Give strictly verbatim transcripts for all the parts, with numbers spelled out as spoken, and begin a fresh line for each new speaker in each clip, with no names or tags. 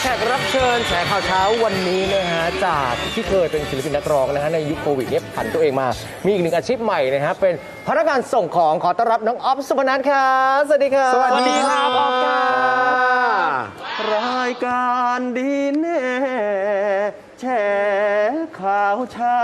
แขกรับเชิญแฉข่าวเช้าวันนี้นะฮะจากที่เคยเป็นศิลปินนักร้องนะฮะในยุคโควิดเนี่ยผันตัวเองมามีอีกหนึ่งอาชีพใหม่นะฮะเป็นพนักงานส่งของขอต้อนรับน้องอ๊อฟสุพนัทครับสวัสดีครับ
สวัสดีครับอ๊อฟค่ะ
รายการดีแน่แฉข่าวเช้า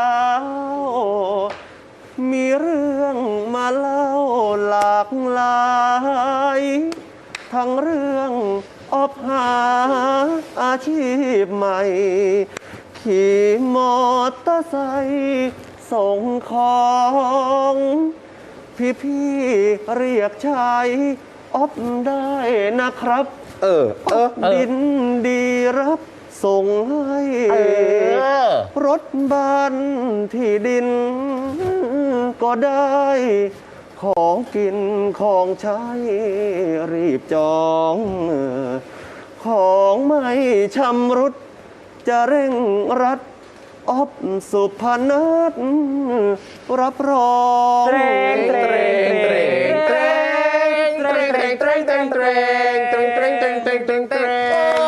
มีเรื่องมาเล่าหลากหลายทั้งเรื่องออบหาอาชีพใหม่ขี่มอเตอร์ไซค์ส่งของพี่ๆเรียกชายออบได้นะครับเออเออดินดีรับส่งให้รถบ้านที่ดินก็ได้ของกินของใช้รีบจองของไม่ชำรุดจะเร่งรัดออบสุพนัทรับรองเตรงเตรงเตรงเตรงเตรงเตรงเตรงเตรงเตรงเตรงเตรงเตรงเตรงเตรงเตรง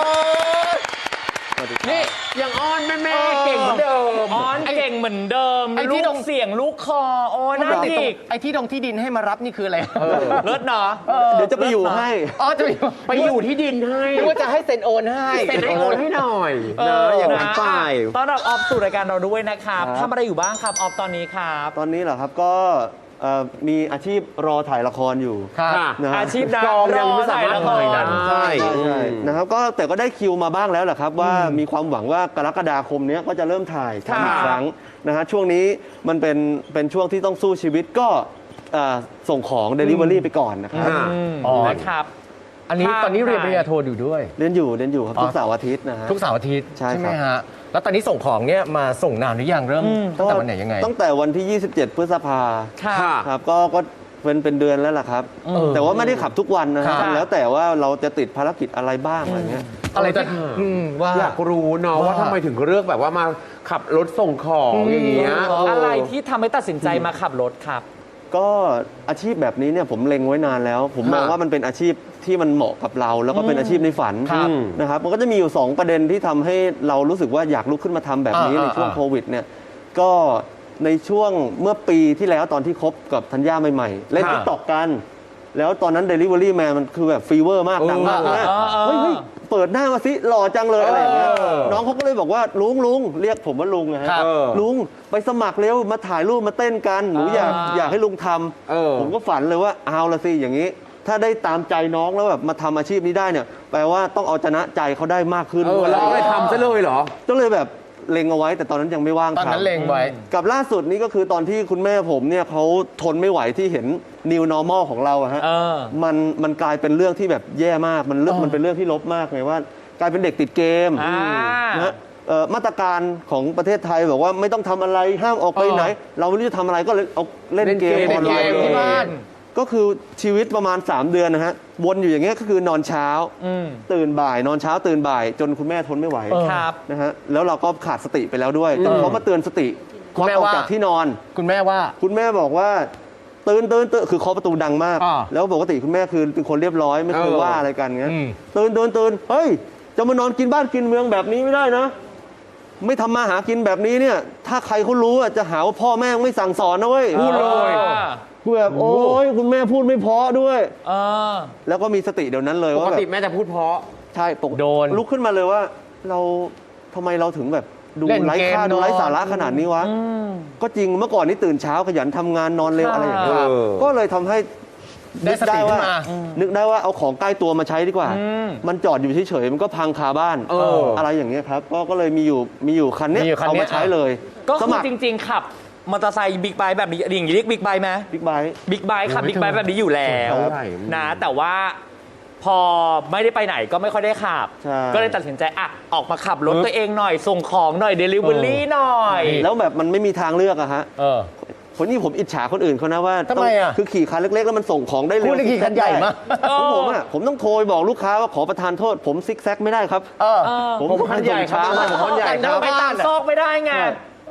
นี่ยังอ้อนแม่แม่เก่งเหมือนเดิม
อ้อนเก่งเหมือนเดิมไอ้ที่ดงเสียงลูกคอโอ้น่าจิก
ไอ้ที่ดงที่ดินให้มารับนี่คืออะไร
เลิศเนาะ
เดี๋ยวจะไปอยู่ให้อ๋อจะไป
ไปอยู่ที่ดินให้
หรือว่าจะให้เซ็นโอนให้
เป็นไอโอนให้หน่อยนะอย่างนั้นไป
ต้อนรับออฟสู่รายการเราด้วยนะครับทำอะไรอยู่บ้างครับออฟตอนนี้ครับ
ตอนนี้เหรอครับก็เอ่อมีอาชีพรอถ่ายละครอยู่
ครับ
นะฮะ
อาชีพนัก
กองยังไม่สามารถ
ถ่
ถ่าย
ละ
ได้
คร
ใช่ใช่นะครับก็แต่ก็ได้คิวมาบ้างแล้วแหละครับ ว่ามีความหวังว่ากรกฎาคมนี้ก็จะเริ่มถ่ายทำอีกครั้งนะฮะช่วงนี้มันเป็นเป็นช่วงที่ต้องสู้ชีวิตก็เอ่อส่งของ Delivery ไปก่อนนะครับ
อ๋อ
นะครับ
อันนี้
ครับ
ตอนนี้เรียนปริญญาโทอยู่ด้วย
เรียนอยู่เรียนอยู่ครับ
อ๋อ
ทุกเสาร์อาทิตย์นะฮะ
ทุกเสาร์อาทิตย์
ใช่ครับ
ไหมฮะแล้วตอนนี้ส่งของเนี่ยมาส่งนานหรือยังเริ่มตั้งแต่วันไหนยังไง
ตั้งแต่วันที่ ยี่สิบเจ็ด พฤษภา
ค่ะ
ครับก็ก็เป็นเป็นเดือนแล้วล่ะครับ
เออ
แต่ว่าไม่ได้ขับทุกวันนะฮะ
ครับ
แล้วแต่ว่าเราจะติดภารกิจอะไรบ้างอะไรเงี้ย
อะไรที่อืมว่า
อยากรู้เนาะว่าทำไมถึงเลือกแบบว่ามาขับรถส่งของอย่างเงี้ย
อะไรที่ทำให้ตัดสินใจมาขับรถครับ
ก็อาชีพแบบนี้เนี่ยผมเล็งไว้นานแล้ว ผมมอง
ฮะ
ว่ามันเป็นอาชีพที่มันเหมาะกับเรา แล้วก็เป็นอาชีพในฝัน
ครับ
นะครับมันก็จะมีอยู่ สอง ประเด็นที่ทำให้เรารู้สึกว่าอยากลุกขึ้นมาทำแบบนี้
อ่า
ในช่วง
อ่า
โควิดเนี่ยก็ในช่วงเมื่อปีที่แล้วตอนที่คบกับธัญญาใหม่ๆเล่น
ครับ
ติ๊กต็อกกัน แล้วตอนนั้น Delivery Man มันคือแบบฟีเวอร์มากดังมาก
เออ
นะ
เออเออ
เฮ้ยเฮ้ยเปิดหน้ามาสิหล่อจังเลยอะไรอย่างเงี้ย
เออ
น้องเขาก็เลยบอกว่าลุงลุงเรียกผมว่าลุงนะฮะ
ครับ
เออ
ลุงไปสมัครเร็วมาถ่ายรูปมาเต้นกันหนูอยาก
อ่า
อยากให้ลุงทำ
เออ
ผมก็ฝันเลยว่าเอาละสิอย่างนี้ ถ้าได้ตามใจน้องแล้วแบบมาทำอาชีพนี้ได้เนี่ยแปลว่าต้องเอาชนะใจเขาได้มากขึ้น
เออเราก็เลยทำซะเลยเหรอ
ก็เลยแบบเล็งเอาไว้ แต่ตอนนั้นยังไม่ว่าง
ตอน
ทำ
นั้นเล็งไว้
กับล่าสุดนี้ก็คือตอนที่คุณแม่ผมเนี่ยเขาทนไม่ไหวที่เห็น new normal ของเราอะฮะ
เออ
มันมันกลายเป็นเรื่องที่แบบแย่มากมันเรื่องมันเป็นเรื่องที่ลบมากไงว่ากลายเป็นเด็กติดเกม
อ่า
นะฮะเอ่อมาตรการของประเทศไทยบอกว่าไม่ต้องทำอะไรห้ามออกไปไหน เราไม่รู้จะทำอะไรก็เลยเอาเล่นเกม
เล่นเกม
ออนไลน์
เล่นเกมที่บ้าน
ก็คือชีวิตประมาณ สาม เดือนนะฮะวนอยู่อย่างเงี้ยก็คือนอนเช้า
อืม
ตื่นบ่าย นอนเช้าตื่นบ่าย จนคุณแม่ทนไม่ไหว
เออ
ครับ
นะฮะแล้วเราก็ขาดสติไปแล้วด้วยจนเขามาเตือนสติ
คุณแม่
ออก
ว่า
จากที่นอน
คุณแม่ว่า
คุณแม่บอกว่าตื่นตื่นตื่นคือเคาะประตูดังมาก
อ่า
แล้วปกติคุณแม่คือเป็นคนเรียบร้อยไม่เคย
เออ
ว่าอะไรกันเงี้ย
อืม
ตื่นตื่นตื่นเฮ้ยจะมานอนกินบ้านกินเมืองแบบนี้ไม่ได้นะ ไม่ทำมาหากินแบบนี้เนี่ย ถ้าใครเขารู้อ่ะจะหาว่าพ่อแม่ไม่สั่งสอนนะเว้ย
พูดเลย
กูแบบโอ้ยคุณแม่พูดไม่เพราะด้วย
เออ
แล้วก็มีสติเดี๋ยวนั้นเลย
ป
ว่าก แบบ
ติแม่จะพูดเพราะ
ใช่ปก
โดน
ลุกขึ้นมาเลยว่า เราทำไมเราถึงแบบดู
เล่น
ไร้
เกม
ค่าดูไร้
นอน
สาระขนาดนี้วะ ก็จริงเมื่อก่อนนี่ตื่นเช้าขยันทำงานนอนเร็ว
ค่ะ
อะไรอย่างเงี้ย
เออ
ก็เลยทำให้
ได้สติขึ้นมา
นึกได้ว่าเอาของใกล้ตัวมาใช้ดีกว่า
อืม
มันจอดอยู่เฉยๆมันก็พังคาบ้าน
เอออ
อะไรอย่างเงี้ยครับก็ก็เลยมีอยู่มีอยู่คันเนี้ย
มีอยู่คัน
เอา
เนี้
มาย ใช้เลย
ก็
ส
คือ
มัคร
จริง ๆ ขับมอเตอร์ไซค์บิ๊กไบค์แบบนี้อย่างนี้เรียกบิ๊กไบค์ไหม
บิ๊กไบค์
บิ๊กไบค์ขับบิ๊กไบค์แบบนี้อยู่แล้ว
ใช่
นะแต่ว่าพอไม่ได้ไปไหนก็ไม่ค่อยได้ขับ
ใช่
ก็เลยตัดสินใจอ่ะออกมาขับรถตัวเองหน่อย ส่งของหน่อยเดลิเวอรี่หน่อย
แล้วแบบมันไม่มีทางเลือกอะฮะ
เออ
คนนี้ผมอิจฉาคนอื่นเขานะว่า
ทำไมอะ
คือขี่คันเล็กๆแล้วมันส่งของได้เร็ว
คุณนี่ขี่คันใหญ่มาก
ของผมอะผมต้องโทรไปบอกลูกค้าว่าขอประทานโทษ ผมซิกแซกไม่ได้ครับ
เออ
เออ
ผม
ผมคันใหญ่ครับ
ผมคันใหญ่
แต่
ครับ
ไปตามซอกไม่ได้ไง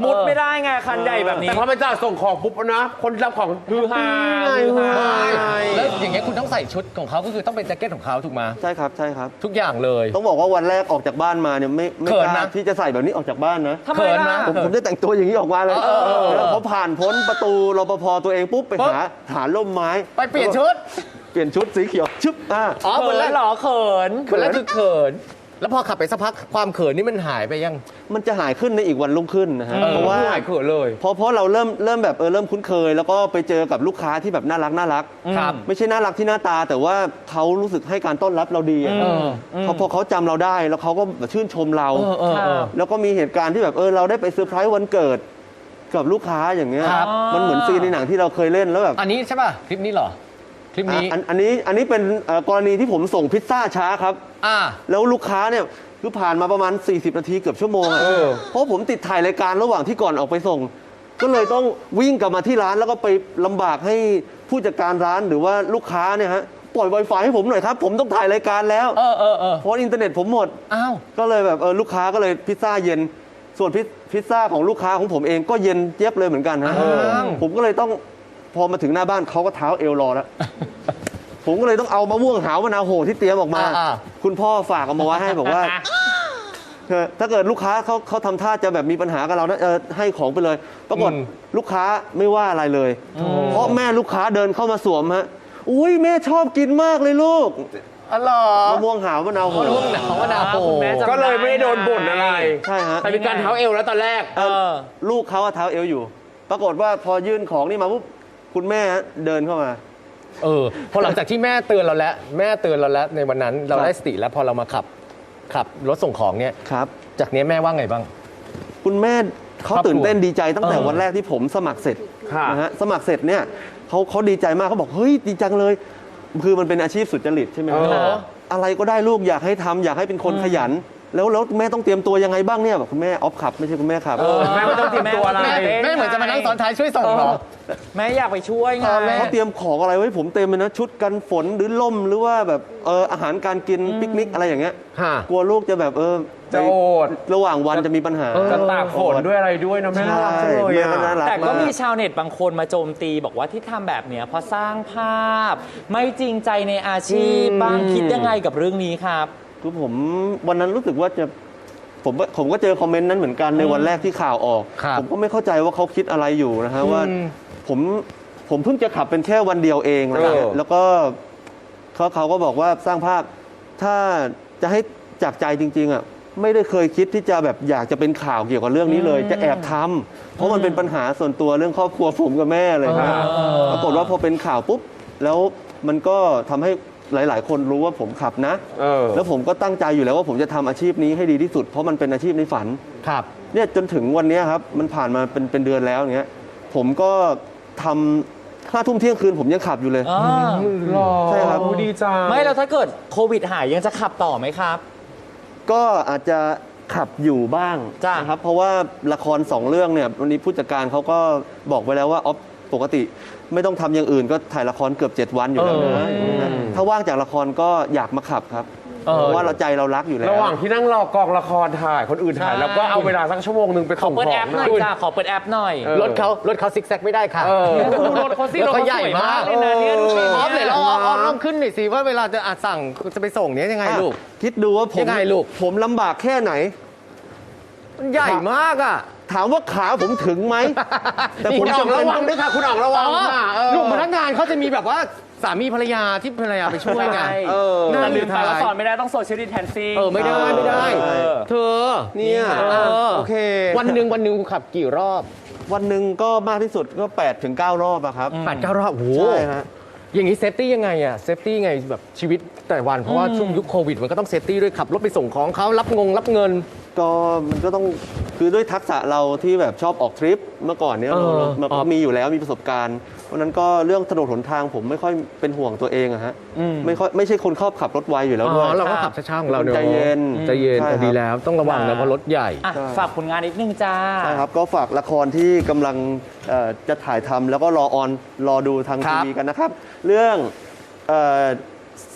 มุดไม่ได้ไงคันใหญ่แบบนี้
แต่พอมันจะส่งของปุ๊บนะ คนรับของฮือฮาฮือฮา
แล้วอย่างเงี้ยคุณต้องใส่ชุดของเขาก็คือต้องเป็นแจ็คเก็ตของเขาถูกไหม
ใช่ครับใช่ครับ
ทุกอย่างเลย
ต้องบอกว่าวันแรกออกจากบ้านมาเนี่ยไม่ไม่
เขิ
ก
น
ล้า
นะ
ที่จะใส่แบบนี้ออกจากบ้านนะ
ทำไม
เขิน
ล่ะ
นะ
ผมผมจะแต่งตัวอย่างนี้ออกมาเลยแล้วพอผ่านพ้นประตูรปภตัวเองปุ๊บไปหาหาร่มไม้
ไปเปลี่ยนชุด
เปลี่ยนชุดสีเขียวชึบอ่า
อ๋อ
เขิ
วันแร
น
ก
เหรอเขิน
วันแรกคือเขิน แล้วพอขับไปสักพักความเขินนี่มันหายไปยัง
มันจะหายขึ้นในอีกวันรุ่งขึ้นนะฮะ
เออ
เพราะว่า
หายเขินเลย
เพราะเพราะเราเริ่มเริ่มแบบเออเริ่มคุ้นเคย แล้วก็ไปเจอกับลูกค้าที่แบบน่ารักน่ารัก
ครับ
ไม่ใช่น่ารักที่หน้าตา แต่ว่าเขารู้สึกให้การต้อนรับเราดีอะ
เออ
เขาพอเขาจำเราได้แล้วเขาก็แบบชื่นชมเรา
เออเออเออ
แล้วก็มีเหตุการณ์ที่แบบเออเราได้ไปเซอร์ไพรส์วันเกิดกับลูกค้าอย่างเงี้ย
ครับ
มันเหมือนซีนในหนังที่เราเคยเล่นแล้วแบบ
อันนี้ใช่ป่ะ คลิปนี้เหรอ คลิปนี้
อ่ะอันอันนี้อันนี้เป็นเอ่อกรณีที่ผมส่งพิซซ่าช้าครับ
อ่า
แล้วลูกค้าเนี่ยคือผ่านมาประมาณ สี่สิบ นาทีเกือบชั่วโมงอะ
เออ
เพราะผมติดถ่ายรายการระหว่างที่ก่อนออกไปส่ง ก็เลยต้องวิ่งกลับมาที่ร้านแล้วก็ไปลำบากให้ผู้จัดการร้านหรือว่าลูกค้าเนี่ยฮะปล่อย Wi-Fi ให้ผมหน่อยครับ ผมต้องถ่ายรายการแล้ว
เออเออเออ
เพราะอินเทอร์เน็ตผมหมด
อ้าว
ก็เลยแบบเออลูกค้าก็เลยพิซซ่าเย็น ส่วนพิซพิซซ่าของลูกค้าของผมเองก็เย็นเจี๊ยบเลยเหมือนกันฮะ
อ้าว
ผมก็เลยต้องพอมาถึงหน้าบ้านเขาก็เท้าเอวรอแล้ว ผมก็เลยต้องเอามะม่วงหาวมะนาวโหที่เตรียมออกมา
อ่า
คุณพ่อฝากเอามาไว้ให้บอกว่าเออถ้าเกิดลูกค้าเขาเขาทำท่าจะแบบมีปัญหากับเรานะเออให้ของไปเลยปรากฏลูกค้าไม่ว่าอะไรเลย เพราะแม่ลูกค้าเดินเข้ามาสวมฮะอุ้ยแม่ชอบกินมากเลยลูก
อ๋อเหรอ
มะม่วงหาวมะนาวโห
มะม่วงหาวมะนาวโห
คุณแม่จำ
ก็เลยไม่ได้โดนบ่นอะไร
ใช่ฮะ
แต่มีการเท้าเอวแล้วตอนแรก
เออลูกเขาอะเท้าเอวอยู่ ปรากฏว่าพอยื่นของนี่มาปุ๊บคุณแม่เดินเข้ามา
เออ พอหลังจากที่แม่เตือนเราแล้ว แม่เตือนเราแล้วในวันนั้นเรา
ครับ
ได้สติแล้วพอเรามาขับ ขับรถส่งของเนี่ย
ครับ
จากนี้แม่ว่าไงบ้าง
คุณแม่เขา
ครอบครัว
ตื่นเต้นดีใจตั้งแต่
เออ
วันแรกที่ผมสมัครเสร็จ
ค่ะ
นะฮะสมัครเสร็จเนี่ยเขาเขาดีใจมากเขาบอกเฮ้ยดีจังเลย คือมันเป็นอาชีพสุจริตใช่ไหมครับ
เออ
อะไรก็ได้ลูกอยากให้ทำอยากให้เป็นคนขยัน แล้วแล้วแม่ต้องเตรียมตัวยังไงบ้างเนี่ยบอกคุณแม่ออฟขับไม่ใช่คุณแม่ขับ
แม่ไม่ต้องเตรียมตัวอะไร
แม่แม่เหมือนจะมานั่งซ้อนท้ายช่วยส่งเหรอ
แม่อยากไปช่วยไง
เขาเตรียมของอะไรไว้ผมเต็มเลยนะชุดกันฝนหรือล่มหรือว่าแบบเอออาหารการกินปิกนิกอะไรอย่างเงี้ย
ค่ะ
กลัวลูกจะแบบเออ
จะโอด
ระหว่างวันจะมีปัญหา
จะตากฝนด้วยอะไรด้วยนะแม่น่ารักจังเลย
แม่ก็น่า
อะ
รัก
แต่ก็
มาก
มีชาวเน็ตบางคนมาโจมตีบอกว่าที่ทำแบบเนี้ยเพราะสร้างภาพ ไม่จริงใจในอาชีพบ้างคิดยังไงกับเรื่องนี้ครับ
คือผมวันนั้นรู้สึกว่าจะผมผมก็เจอคอมเมนต์นั้นเหมือนกันในวันแรกที่ข่าวออก
ครับ
ผมก็ไม่เข้าใจว่าเขาคิดอะไรอยู่นะฮะว่าผมผมเพิ่งจะขับเป็นแค่วันเดียวเองนะฮะ
เออ
แล้วก็เขาเขาก็บอกว่าสร้างภาพถ้าจะให้จากใจจริงๆอ่ะไม่ได้เคยคิดที่จะแบบอยากจะเป็นข่าวเกี่ยวกับเรื่องนี้เลย จะแอบทำเพราะมันเป็นปัญหาส่วนตัวเรื่องครอบครัวผมกับแม่เลยครับปรากฏว่าพอเป็นข่าวปุ๊บแล้วมันก็ทำให้หลาย ๆ คนรู้ว่าผมขับนะ
เออ
แล้วผมก็ตั้งใจอยู่แล้วว่าผมจะทำอาชีพนี้ให้ดีที่สุด เพราะมันเป็นอาชีพในฝัน
ครับ
เนี่ยจนถึงวันเนี้ยครับมันผ่านมาเป็นเป็นเดือนแล้วอย่างเงี้ยผมก็ทำห้าทุ่มเที่ยงคืนผมยังขับอยู่เลย
หล่อ
ใช่ครับ
โอ้ดีจัง
ไม่แล้วถ้าเกิดโควิดหายยังจะขับต่อไหมครับ
ก็อาจจะขับอยู่บ้าง
จ้ะ
นะครับเพราะว่าละครสองเรื่องเนี่ยวันนี้ผู้จัดการเขาก็บอกไว้แล้วว่าออฟปกติไม่ต้องทำอย่างอื่นก็ถ่ายละครเกือบเจ็ดวันอยู่แล้วนะถ้าว่างจากละครก็อยากมาขับครับ
เออ
เพราะว่าเราใจเรารักอยู่แล้ว
ระหว่างที่นั่งรอกองละครถ่ายคนอื่นถ่าย
ใช่
แล้วก็เอาเวลาสักชั่วโมงหนึ่งไป
ขอ
ส่ง
เปิด
ขอ
แอง ปห
ห
น่
น่
อ
อย ย
จ้าขอเปิดแอปหน่อย
เออ
รถเขารถเขาซิกแซกไม่ได้ค่ะ
เออ
ดูรถเขาสิ
รถเขาใหญ่
สวย
มาก
เลยนะเนี่ยดูสิ
ออฟ
เนี่
เลย ยเราออฟออฟลองขึ้นหน่อยสิว่าเวลาจะอาจสั่งจะไปส่งเนี้ยยังไงลูก
อ่ะคิดดูว่าผม
ยังไงลูก
ผมลำบากแค่ไหน
มันใหญ่มากอ่ะ
ถามว่าขาผมถึงไหม แต่ผม
คุณออก
จำเป็
ระ
น
วังด้วยค่ะ คุณออกระวังค่ะเออ
ลูกพนักงานเขาจะมีแบบว่าสามีภรรยาที่ภรรยาไปช่วยไง
ใช่
เออ
แต่ลืมไปว่า
ท้าย
สอนไม่ได้ต้องโซเชียลดิแทนซิ่ง
เออไม่ได้ไม่ได้
เออ
เธอ
เนี่ย
เออ
โอเค
วันหนึ่งวันหนึ่งคุณขับกี่รอบ
วันหนึ่งก็มากที่สุดก็แปดถึงเก้ารอบอะครับ
แปดเก้ารอบโอ้โห
ใช่ฮะ
อย่างนี้เซฟตี้ยังไงอะเซฟตี้ไงแบบชีวิตแต่วันเพราะว่าช่วงยุคโควิดมันก็ต้องเซฟตี้ด้วยขับรถไปส่งของเขารับงงรับเงิน
ก็มันก็ต้องคือด้วยทักษะเราที่แบบชอบออกทริปเมื่อก่อนเนี้ย
เออ
มัน
อ๋อ
มีอยู่แล้วมีประสบการณ์เพราะฉะนั้นก็เรื่องถนนหนทางผมไม่ค่อยเป็นห่วงตัวเองอะฮะไม่ค่อยไม่ใช่คนชอบขับรถไวอยู่แล้ว
อ๋
ด้วย
อเราก็ขับช้าๆของเราเนอะ
ใจเย็น
ใจเย็น
ใช่ครับ
แต่ดีแล้วต้องระวังนะเพราะรถใหญ่
อ่ะฝากผลงานนิดนึงจ้า
ใช่ครับก็ฝากละครที่กำลังเอ่อจะถ่ายทำแล้วก็รอออนรอดูทาง
ครั
ที
บ
วีกันนะครับ เรื่องเอ่อ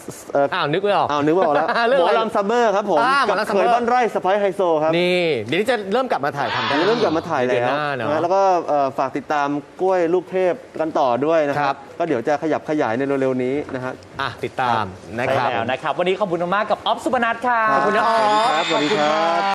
เอ่อ
อ้าวนึกไม่ออก
อ้าวนึกว่าออกแล้ว
เรื่อง
หม
อะไร
อลำซัมเมอร์ครับผม
อ่าหมอ
กับ
ลำซัม
เค
เมอร์
ยบ้านไร่สไปซ์ไฮโซครับ
นี่เดี๋ยวนี้จะเริ่มกลับมาถ่ายทำกัน
เริ่มกลับมาถ่าย
เดือน
แล้ว
หน้าเนาะ
นะแล้วก็เอ่อฝากติดตามกล้วยลูกเทพกันต่อด้วยนะค
ครั
รับ
บ
ก็เดี๋ยวจะขยับขยายในเร็วๆนี้นะฮะ
อ่ะติดตามนะ
ใช่
ครับ
แล้วนะครับ วันนี้ขอบคุณมากๆกับออฟสุพนัทค่ะ
ขอบคุณนะออฟ
สวัสดีครับสวัสดีครับ